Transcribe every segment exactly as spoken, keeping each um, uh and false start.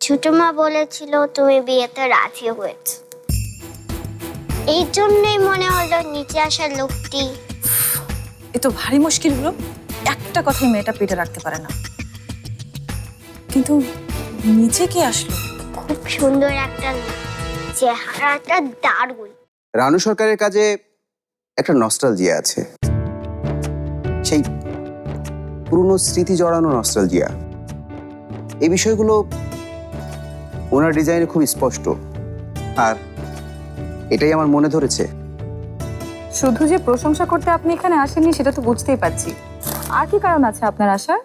ছোট মা বলেছিল তুমি বিয়েতে রাজি হয়েছো, এই জন্যই মনে হলো নিচে আসার লোকটি। এ তো ভারী মুশকিল হলো, একটা কথাই মেয়েটা পেটে রাখতে পারে না। কিন্তু নিচে কি আসলো? খুব সুন্দর একটা লোক, চেহারাটা দারুণ। রানু সরকারের কাজে একটা নস্টালজিয়া আছে, সেই পুরনো স্মৃতি জড়ানো নস্টালজিয়া। এই বিষয়গুলো ওনার ডিজাইনে খুব স্পষ্ট, আর এটাই আমার মনে ধরেছে। শুধু যে প্রশংসা করতে আপনি এখানে আসেননি সেটা তো বুঝতেই পারছি, আর কি কারণ আছে আপনার আসার?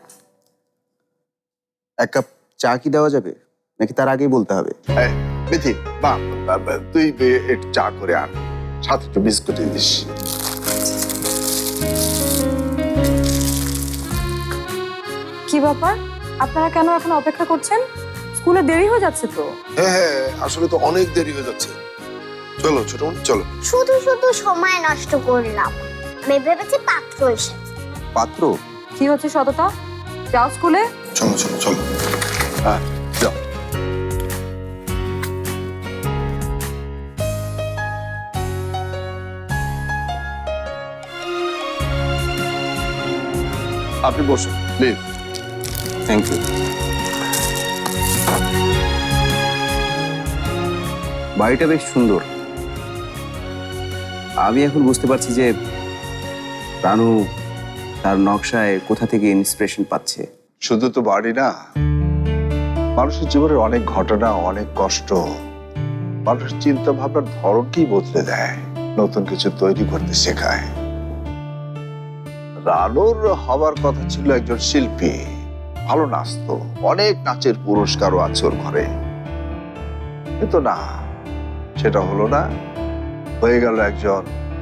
এক কাপ চা কি দেওয়া যাবে, নাকি তার আগেই বলতে হবে? বিথি, বা তুই একটু চা করে আন, সাথে একটু বিস্কুট দিস। কি ব্যাপার, আপনারা কেন এখন অপেক্ষা করছেন? স্কুলে দেরি হয়ে যাচ্ছে তো। হ্যাঁ হ্যাঁ, আসলে তো অনেক দেরি হয়ে যাচ্ছে। চলো ছোট বোন, চলো। শুধু শুধু সময় নষ্ট করলাম, আমি ভেবেছি পাত্র এসেছে। পাত্র? কি হচ্ছে সততা? যাও স্কুলে। চলো চলো চলো। হ্যাঁ যাও। আপনি বসুন প্লিজ। Thank you. বাড়িটা বেশ সুন্দর। আমি এখন বুঝতে পারছি যে রানু তার নকশায় কোথা থেকে ইন্সপিরেশন পাচ্ছে। শুধু তো বাড়ি না, মানুষের জীবনের অনেক ঘটনা, অনেক কষ্ট মানুষের চিন্তা ভাবনার ধরনকেই বদলে দেয়, নতুন কিছু তৈরি করতে শেখায়। রানুর হবার কথা ছিল একজন শিল্পী, ভালো নাচতো, অনেক নাচের পুরস্কারও আছে ওর ঘরে, কিন্তু না, সেটা হলো না, হয়ে গেল একজন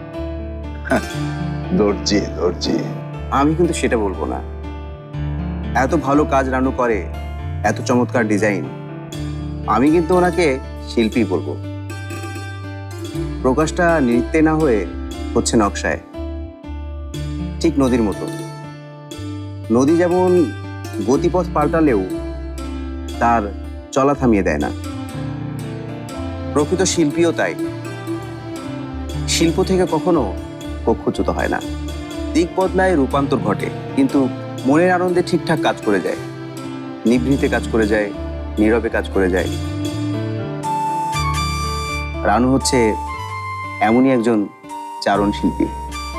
দর্জি। দর্জি আমি কিন্তু সেটা বলবো না। এত ভালো কাজ রানু করে, এত চমৎকার ডিজাইন, আমি কিন্তু ওনাকে শিল্পী বলবো। প্রকাশটা নৃত্যে না হয়ে হচ্ছে নকশায়, ঠিক নদীর মতো। নদী যেমন গতিপথ পাল্টালেও তার চলা থামিয়ে দেয় না, প্রকৃত শিল্পীও তাই। শিল্প থেকে কখনো কক্ষচ্যুত হয় না, দিক বদলায়, রূপান্তর ঘটে, কিন্তু মনের আনন্দে ঠিকঠাক কাজ করে যায়, নিভৃতে কাজ করে যায়, নীরবে কাজ করে যায়। রানু হচ্ছে এমনই একজন চারণ শিল্পী।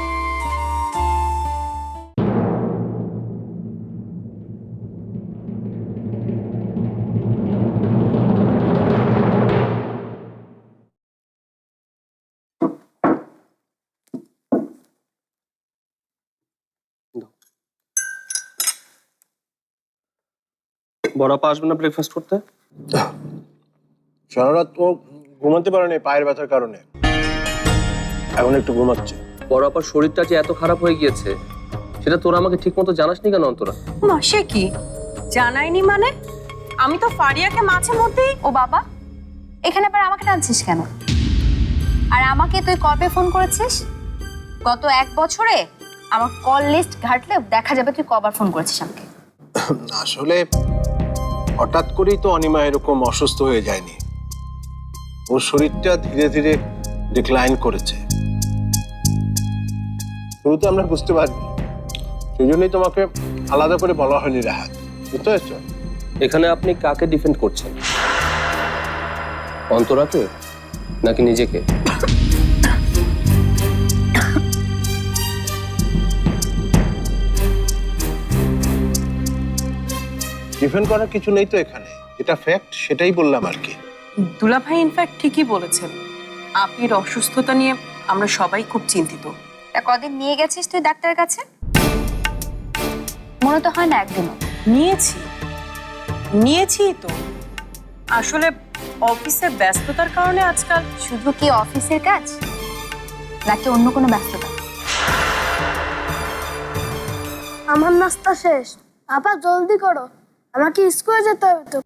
বড় আপা আসবে না ব্রেকফাস্ট করতে? সারা রাত ও ঘুমাতে পারেনি পায়ের ব্যথার কারণে, এখন একটু ঘুমাচ্ছে। বড় আপার শরীরটা যে এত খারাপ হয়ে গিয়েছে সেটা তোরা আমাকে ঠিক মতো জানাসনি কেন অন্তরা? মা সে কি জানাইনি মানে? আমি তো ফারিয়াকে মাঝে মধ্যেই। ও বাবা, এখানে আবার আমাকে টানছিস কেন? আর আমাকে তুই কবে ফোন করেছিস? গত এক বছরে আমার কল লিস্ট ঘাটলে দেখা যাবে তুই কবার ফোন করেছিস আমাকে। আসলে হঠাৎ করেই তো অনিমা এরকম অসুস্থ হয়ে যায়নি, ওর শরীরটা ধীরে ধীরে ডিক্লাইন করেছে। শুরুতে আমরা বুঝতে পারিনি, সেই জন্যই তোমাকে আলাদা করে বলা হয়নি রাহাত, বুঝতে পারছো? এখানে আপনি কাকে ডিফেন্ড করছেন, অন্তরাকে নাকি নিজেকে? ডিফেন্ড করার কিছু নেই তো এখানে, এটা ফ্যাক্ট, সেটাই বললাম আর কি। দুলাভাই ইনফ্যাক্ট ঠিকই বলেছেন, আপির অসুস্থতা নিয়ে আমরা সবাই খুব চিন্তিত। তা কদিন নিয়ে গেছিস তুই ডাক্তারের কাছে? মনে তো হয় না একদিনও। নিয়েছি নিয়েছি তো, আসলে অফিসের ব্যস্ততার কারণে আজকাল। শুধু কি অফিসের কাজ নাকি অন্য কোনো ব্যস্ততা? আমার নাস্তা শেষ, আপা জলদি করো, আমাকে স্কুলে যেতে হবে তো।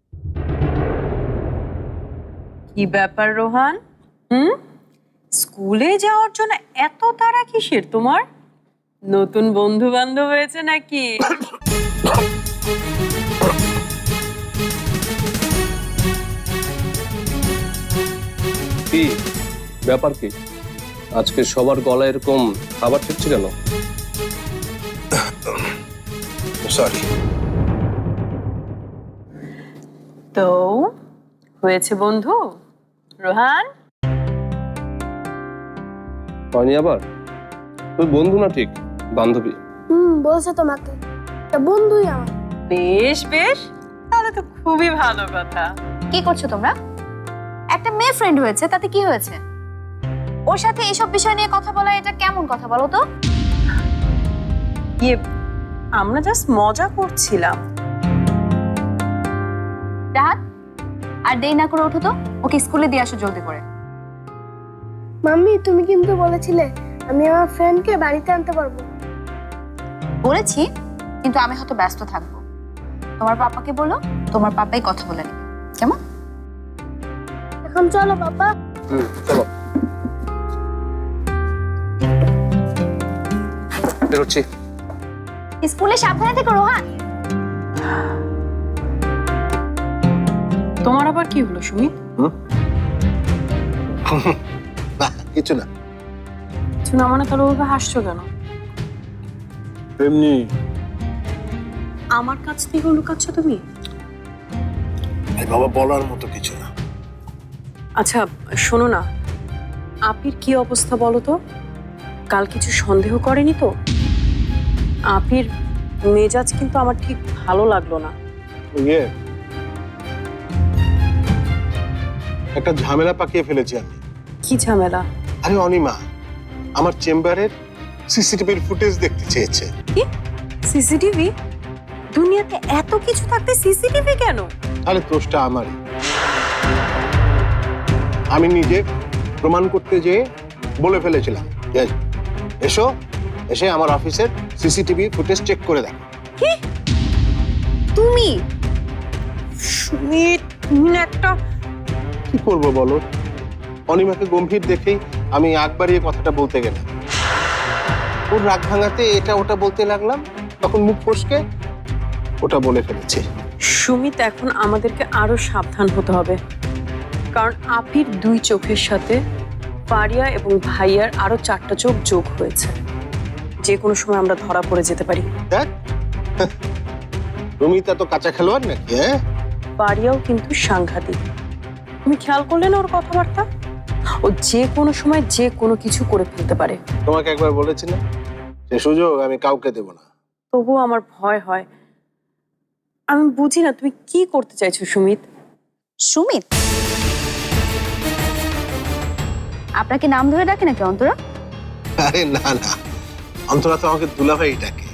কি ব্যাপার রোহান, হুম স্কুলে যাওয়ার জন্য এত তাড়া কিসের তোমার? নতুন বন্ধু বান্ধব হয়েছে নাকি? ব্যাপার কি? আজকে সবার গলায় এরকম খাবার ঠেকছে কেন? সরি। তো হয়েছে বন্ধু রোহান? হয়নি আবার? তুই বন্ধু না, ঠিক বান্ধবী। হুম, বলছে তোমাকে একটা বন্ধুই আমার। বেশ বেশ, তাহলে তো খুবই ভালো কথা। কি করছো তোমরা? একটা মেয়ে ফ্রেন্ড হয়েছে, তাতে কি হয়েছে? ওর সাথে এসব বিষয় নিয়ে কথা বলা এটা কেমন কথা বলো তো? ইয়ে, আমরা জাস্ট মজা করছিলাম। রাহাত, আর দেরি না করে ওঠো তো, ওকে স্কুলে দিয়ে আসো জলদি করে। মাম্মি, তুমি কিন্তু বলেছিলে আমি আমার ফ্রেন্ডকে বাড়িতে আনতে পারবো। বলেছি, কিন্তু আমি হয়তো ব্যস্ত থাকবো। তোমার পাপাকে বলো, তোমার পাপাই কথা বলে নেবে, কেমন? এখন চলো পাপা। হুম, চলো বেরোচ্ছি। স্কুলে সাবধানে থেকো রোহান। তোমার আবার কি হলো সুমিত? না, কিছু না। কিছু না মানে তাহলে ওভাবে হাসছো কেন? এমনি। আমার কাছ থেকে লুকাচ্ছ তুমি? আরে বাবা, বলার মতো কিছু না। আচ্ছা শোনো না, আপির কি অবস্থা বলো তো? কাল কিছু সন্দেহ করেনি তো? আপির মেজাজ কিন্তু আমার ঠিক ভালো লাগলো না। ইয়ে, একটা ঝামেলা পাকিয়ে ফেলেছি আমি। কি ঝামেলা? আরে অনিমা আমার চেম্বারের সিসিটিভির ফুটেজ দেখতে চেয়েছে। কি সিসিটিভি? দুনিয়াতে এত কিছু থাকতে সিসিটিভি কেন? আরে দোষটা আমারই। আমি নিজে প্রমাণ করতে যেয়ে বলে ফেলেছিলাম, যে এসো, এসে আমার অফিসের সিসিটিভি ফুটেজ চেক করে দেখো। কি তুমি? সুমিত, তুমি না একটা... কি করবো বলো? অনিমাকে গম্ভীর দেখেই আমি আগ বাড়িয়ে কথাটা বলতে গেলাম। ওর রাগ ভাঙাতে এটা ওটা বলতে লাগলাম, তখন মুখ ফসকে ওটা বলে ফেলেছে। সুমিত, এখন আমাদেরকে আরো সাবধান হতে হবে, কারণ আপির দুই চোখের সাথে পারিয়া এবং ভাইয়ার আরো চারটা চোখ যোগ হয়েছে। যে কোনো সময় আমরা ধরা পড়ে যেতে পারি। দেখ, তুমি তো কাঁচা খেলোয়াড় নাকি? হ্যাঁ, পারিয়াও কিন্তু সাংঘাতিক। তুমি খেয়াল করলে না ওর কথাবার্তা? ও যে কোনো সময় যে কোনো কিছু করে ফেলতে পারে। তোমাকে একবার বলেছিলাম সে সুযোগ আমি কাউকে দেব না। তবুও আমার ভয় হয়। আমি বুঝি না তুমি কি করতে চাইছো সুমিত। সুমিত? আপনাকে নাম ধরে ডাকে নাকি অন্তরা? আরে না না, অন্তরা তো আমাকে দুলাভাই ডাকে।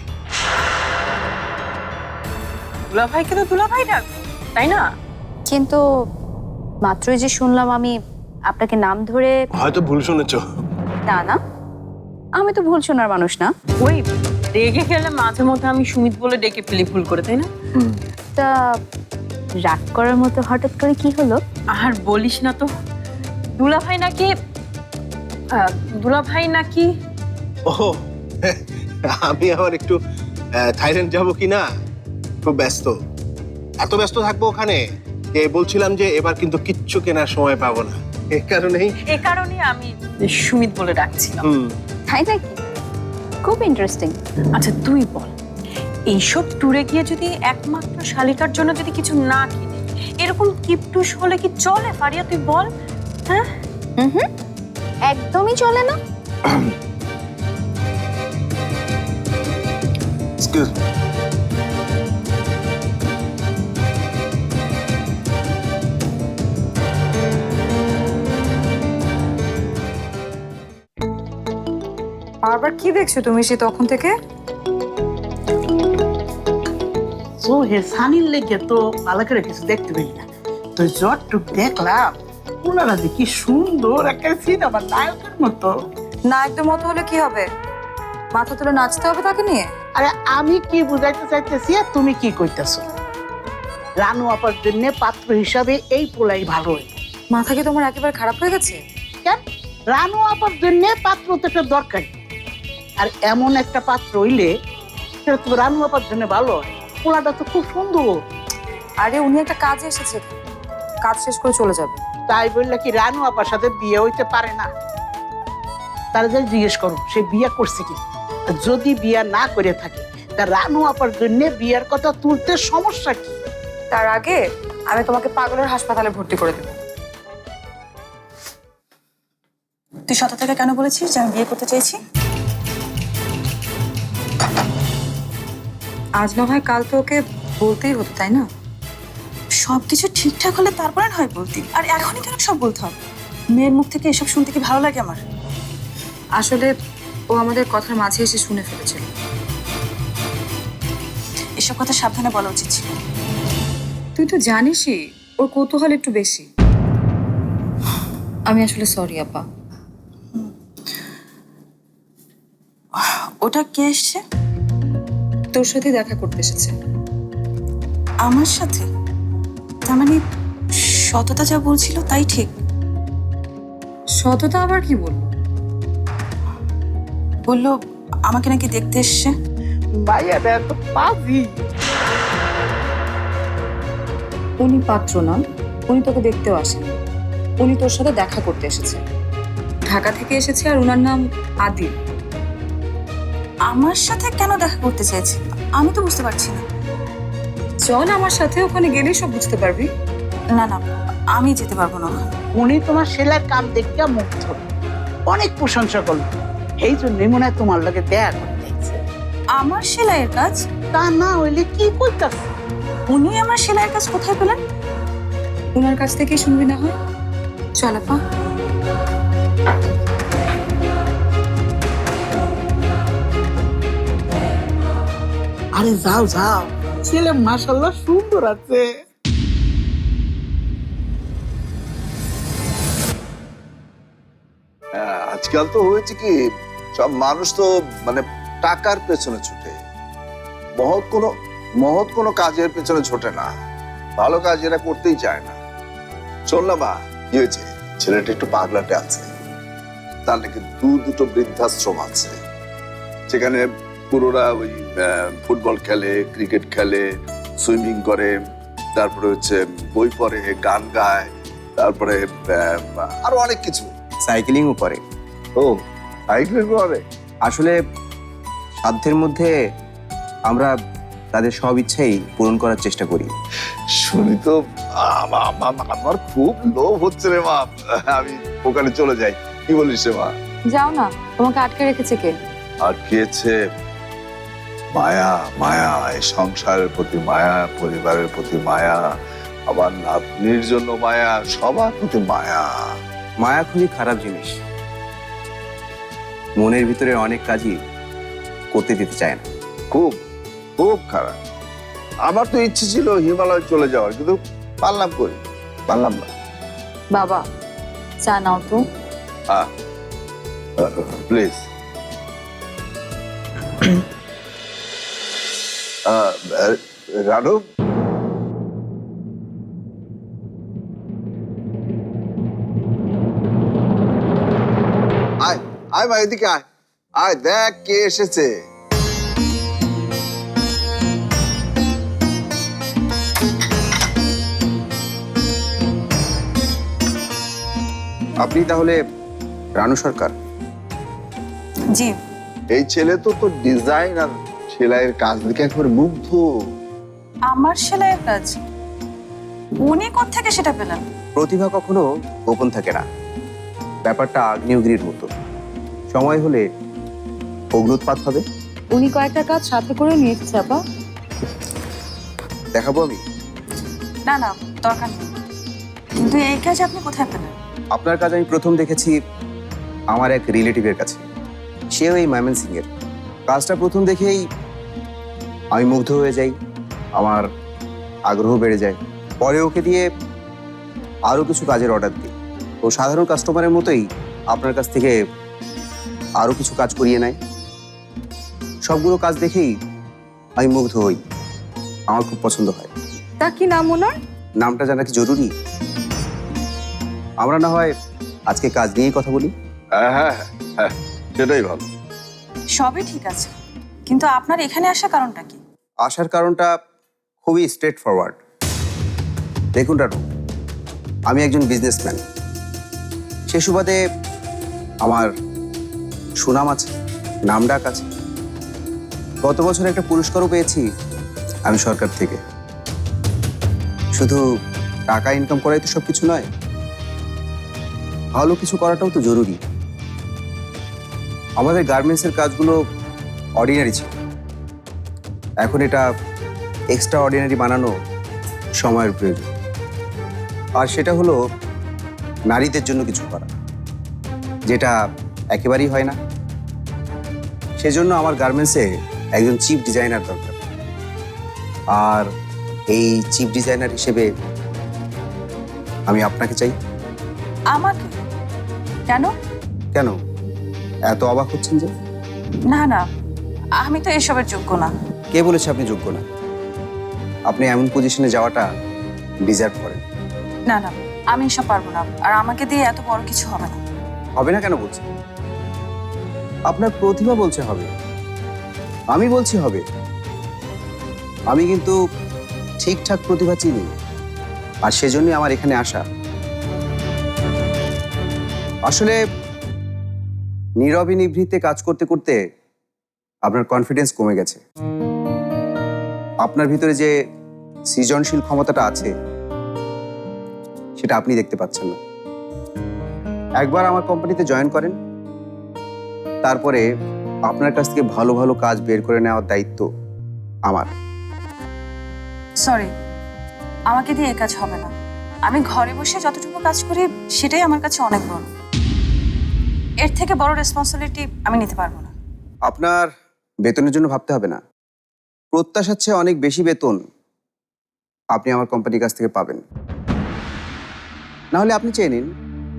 দুলাভাইকে তো দুলাভাই ডাকো, তাই না? কিন্তু মাত্রই যে শুনলাম আমি আপনাকে নাম ধরে... হয়তো ভুল শুনেছো। না না, আমি তো ভুল শোনার মানুষ না। ওই রেগে গেলে মাঝে মধ্যে আমি সুমিত বলে ডেকে ফেলি ভুল করে, তাই না? তা রাগ করার মতো হঠাৎ করে কি হলো? আর বলিস না তো, দুলাভাই নাকি আহ, দুলাভাই নাকি ও, আমি আবার একটু আহ, থাইল্যান্ড যাবো কি না, খুব ব্যস্ত। এত ব্যস্ত থাকবো ওখানে যে বলছিলাম যে এবার কিন্তু কিচ্ছু কেনার সময় পাবো না। এই কারণেই এ কারণে আমি সুমিত বলে ডাকছিলাম। হুম, তাই নাকি? খুব ইন্টারেস্টিং। আচ্ছা তুই বল, এইসব ট্যুরে গিয়ে যদি একমাত্র শালিকার জন্য যদি কিছু না কিনে, এরকম কিপটুস হলে কি চলে পারিয়া? তুই বল। হ্যাঁ, হুম হুম, একদমই চলে না। Excuse me. বারবার কি দেখছো তুমি সে তখন থেকে? ও হে সানির লেগে তো ভালো করে কিছু দেখতে পেলি না, তো যতটুক দেখলাম ওনারা যে কি সুন্দর একটা সিনেমার নায়কের মতো। নায়কদের মতো হলে কি হবে? মাথা তুলে নাচতে হবে তাকে নিয়ে। আরে আমি কি বুঝাইতে চাইতেছি আর তুমি কি কইতেছো? রানু আপার জন্য পাত্র হিসাবে এই পোলাই ভালো হইল। মাথা কি তোমার একেবারে খারাপ হয়ে গেছে? কেন? রানু আপার জন্য পাত্র তো একটা দরকারি, আর এমন একটা পাত্র হইলে সেটা তো রানু আপার জন্য ভালো হয়। পোলাটা তো খুব সুন্দর। আরে উনি একটা কাজে এসেছে, কাজ শেষ করে চলে যাবে। তাই বললে কি রানু আপার সাথে বিয়ে হইতে পারে না? তারা যে জিজ্ঞেস করো সে বিয়ে করছে কি। আর যদি বিয়ে না করে থাকে তা রানু আপার জন্য বিয়ের কথা তুলতে সমস্যা কি? তার আগে আমি তোমাকে পাগলের হাসপাতালে ভর্তি করে দেব। তুই শত থেকে কেন বলেছিস যে আমি বিয়ে করতে চাইছি? আজ না হয় কাল তো ওকে বলতেই হতো, তাই না? সবকিছু ঠিকঠাক হলে তারপরে না হয় বলতি, আর এখনই কেন সব বলতে হবে? মেয়ের মুখ থেকে এসব শুনতে কি ভালো লাগে আমার? আসলে ও আমাদের কথার মাঝে এসে শুনে ফেলেছিল। এসব কথা সাবধানে বলা উচিত ছিল। তুই তো জানিসই ওর কৌতূহল একটু বেশি। আমি আসলে সরি আপা। ওটা কে এসছে? তোর সাথে দেখা করতে এসেছে। আমার সাথে? তার মানে সততা যা বলছিল তাই ঠিক? সততা আবার কি বললো? বললো আমাকে নাকি দেখতে এসছে। মাইয়াটা এত পাজি। উনি পাত্র নন, উনি তোকে দেখতেও আসেন। উনি তোর সাথে দেখা করতে এসেছে, ঢাকা থেকে এসেছে, আর ওনার নাম আদিল। আমার সাথে কেন দেখা করতে চাইছে আমি তো বুঝতে পারছি না। চল আমার সাথে, ওখানে গেলেই সব বুঝতে পারবি। না না, আমি যেতে পারবো না ওখানে। উনি তোমার সেলার কাম দেখতে মুগ্ধ, অনেক প্রশংসা করলো। এই জন্যই মনে হয় তোমার লগে দেখা করতে চাইছে। আমার সেলাইয়ের কাজ? তা না হইলে কি করতেছে? উনি আমার সেলাইয়ের কাজ কোথায় পেলেন? ওনার কাছ থেকেই শুনবি না হয়। চল আপা। আরে যাও যাও, ছেলে মাশাআল্লাহ সুন্দর আছে। হ্যাঁ, আজকাল তো হয়েছে কি সব মানুষ তো মানে টাকার পেছনে ছুটে, মহৎ কোনো মহৎ কোনো কাজের পেছনে ছোটে না, ভালো কাজ এরা করতেই চায় না। শোন না মা, কি হয়েছে, ছেলেটা একটু পাগলাটে আছে, তার নাকি দু দুটো বৃদ্ধাশ্রম আছে, সেখানে পুরোরা ওই ফুটবল খেলে, ক্রিকেট খেলে, সুইমিং করে, তারপরে হচ্ছে বই পড়ে, গান গায়, তারপরে আরো অনেক কিছু, সাইকেলিংও করে। ও সাইকেল করে। আসলে সাধ্যের মধ্যে আমরা তাদের সব ইচ্ছাই পূরণ করার চেষ্টা করি। শুনি তো আমা- আমা- আমার খুব লোভ হচ্ছে রে মা, আমি ওখানে চলে যাই, কি বলিস রে মা? যাও না, তোমাকে আটকে রেখেছে কে? আর খেয়েছে মায়া, মায়া, এই সংসারের প্রতি মায়া, পরিবারের প্রতি মায়া, আবার নাতনির জন্য মায়া, সবার প্রতি মায়া। মায়া খুবই খারাপ জিনিস, মনের ভিতরে অনেক কাজই করতে দিতে চায় না। খুব খুব খারাপ। আমার তো ইচ্ছে ছিল হিমালয় চলে যাওয়ার, কিন্তু পারলাম করি পারলাম না। বাবা চা নাও তো। প্লিজ। রানু, আয় আয় মা, এদিকে আয়, আয় দেখ কে এসেছে। আপনি তাহলে রানু সরকার? জি। এই ছেলে তো তোর ডিজাইন আর সেলাইয়ের কাজ দেখে একবারে মুগ্ধ। আমার সেলাইয়ের কাজ? উনি কোত্থেকে সেটা পেলেন? প্রতিভা কখনো গোপন থাকে না, ব্যাপারটা আগ্নেয়গিরির মতো, সময় হলে অগ্নুৎপাত হবে। উনি কয়েকটা কাজ সাথে করে নিয়ে এসেছে আপা। দেখাবো আমি? না না, দরকার নেই। কিন্তু এই কাজ আপনি কোথায় পেলেন? আপনার কাজ আমি প্রথম দেখেছি আমার এক রিলেটিভের কাছে, সেও এই ময়মনসিং এর। কাজটা প্রথম দেখেই আমি মুগ্ধ হয়ে যাই, আমার আগ্রহ বেড়ে যায়। পরে ওকে দিয়ে আরও কিছু কাজের অর্ডার দিই। ও সাধারণ কাস্টমারের মতোই আপনার কাছ থেকে আরও কিছু কাজ করিয়ে নেয়। সবগুলো কাজ দেখেই আমি মুগ্ধ হই, আমার খুব পছন্দ হয়। তা কি নাম ওনার? নামটা জানা কি জরুরি? আমরা না হয় আজকে কাজ নিয়েই কথা বলি। হ্যাঁ হ্যাঁ হ্যাঁ, সেটাই ভালো। সবই ঠিক আছে, কিন্তু আপনার এখানে আসার কারণটা কি? আসার কারণটা খুবই স্ট্রেট ফরওয়ার্ড। দেখুন রানু, আমি একজন বিজনেসম্যান। সে সুবাদে আমার সুনাম আছে, নাম ডাক আছে। গত বছর একটা পুরস্কারও পেয়েছি আমি সরকার থেকে। শুধু টাকা ইনকাম করাই তো সবকিছু নয়, ভালো কিছু করাটাও তো জরুরি। আমাদের গার্মেন্টসের কাজগুলো অর্ডিনারি ছিল, এখন এটা এক্সট্রা অর্ডিনারি বানানো সময়ের প্রয়োজন। আর সেটা হলো নারীদের জন্য কিছু করা, যেটা একেবারেই হয় না। সেজন্য আমার গার্মেন্টসে একজন চিফ ডিজাইনার দরকার। আর এই চিফ ডিজাইনার হিসেবে আমি আপনাকে চাই। আমাকে? কেন? কেন এত অবাক হচ্ছেন যে? না না, আমি তো এসবের যোগ্য না। কে বলেছে আপনি যোগ্য না? আপনি এমন পজিশনে যাওয়াটা ডিজার্ভ করেন। না না, আমি এসব পারবো না। আর আমাকে দিয়ে এত বড় কিছু হবে না। হবে না কেন বলছেন? আপনার প্রতিভা বলছে হবে, আমি বলছি হবে। আমি কিন্তু ঠিকঠাক প্রতিভা চিনি, আর সেজন্যই আমার এখানে আসা। আসলে নীরবে নিভৃতে কাজ করতে করতে আপনার কনফিডেন্স কমে গেছে। আপনার ভিতরে যে সৃজনশীল ক্ষমতাটা আছে সেটা আপনি দেখতে পাচ্ছেন না। একবার আমার কোম্পানিতে জয়েন করেন, তারপরে আপনার কাছ থেকে ভালো ভালো কাজ বের করে নেওয়ার দায়িত্ব আমার। সরি, আমাকে দিয়ে এই কাজ হবে না। আমি ঘরে বসে যতটুকু কাজ করি সেটাই আমার কাছে অনেক বড়। এর থেকে বড় রেসপন্সিবিলিটি আমি নিতে পারবো না। আপনার বেতনের জন্য ভাবতে হবে না। প্রত্যাশার চেয়ে অনেক বেশি বেতন আপনি আমার কোম্পানির কাছ থেকে পাবেন। না হলে আপনি চেয়ে নিন,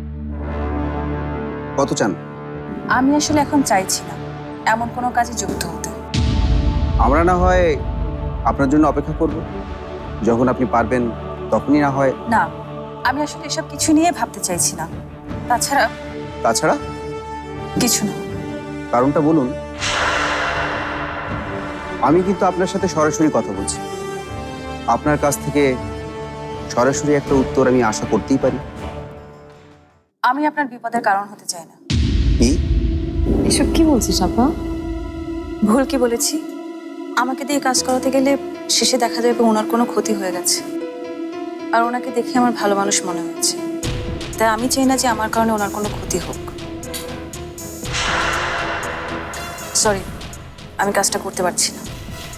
কত চান? আমি আসলে এখন চাইছি না এমন কোনো কাজে যুক্ত হতে। আমরা না হয় আপনার জন্য অপেক্ষা করব, যখন আপনি পারবেন তখনই না হয়। না, আমি আসলে এসব কিছু নিয়ে ভাবতে চাইছি না। তাছাড়া তাছাড়া কিছু না। কারণটা বলুন। আমি কিন্তু আপনার সাথে সরাসরি কথা বলছি, আপনার কাছ থেকে সরাসরি একটা উত্তর আমি আশা করতেই পারি। আমি আপনার বিপদের কারণ হতে চাই না। কি? এসব কি বলছিস আপা? ভুল কি বলেছি? আমাকে দিয়ে কাজ করাতে গেলে শেষে দেখা যাবে ওনার কোনো ক্ষতি হয়ে গেছে, আর ওনাকে দেখে আমার ভালো মানুষ মনে হয়েছে। তাই আমি চাই না যে আমার কারণে ওনার কোনো ক্ষতি হোক। সরি, আমি কাজটা করতে পারছি না।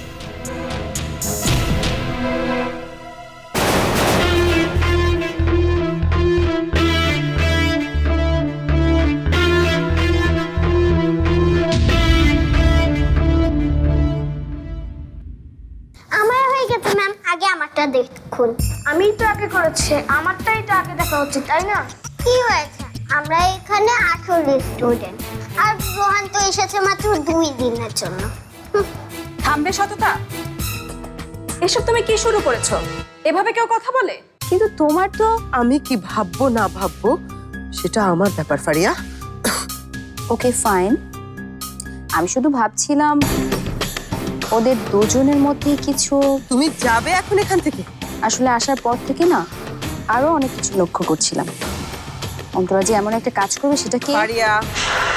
আমার হয়ে গেছে ম্যাম, আগে আমারটা দেখুন। আমি তো আগে করেছি, আমারটাই তো আগে দেখা উচিত, তাই না? কি হয়েছে? আমরা এখানে আঠারো স্টুডেন্ট, আর রোহান তো এসেছে মাত্র দুই দিনের জন্য। থামবে সততা? এসব তুমি কি শুরু করেছো? এভাবে কেউ কথা বলে? কিন্তু তোমার তো আমি কি ভাববো না ভাববো সেটা আমার ব্যাপার ফারিয়া। ওকে ফাইন, আমি শুধু ভাবছিলাম ওদের দুজনের মধ্যে কিছু। তুমি যাবে এখন এখান থেকে? আসলে আসার পর থেকে না আরো অনেক কিছু লক্ষ্য করছিলাম। অন্তরা যে এমন একটা কাজ করবে সেটা কি? ফারিয়া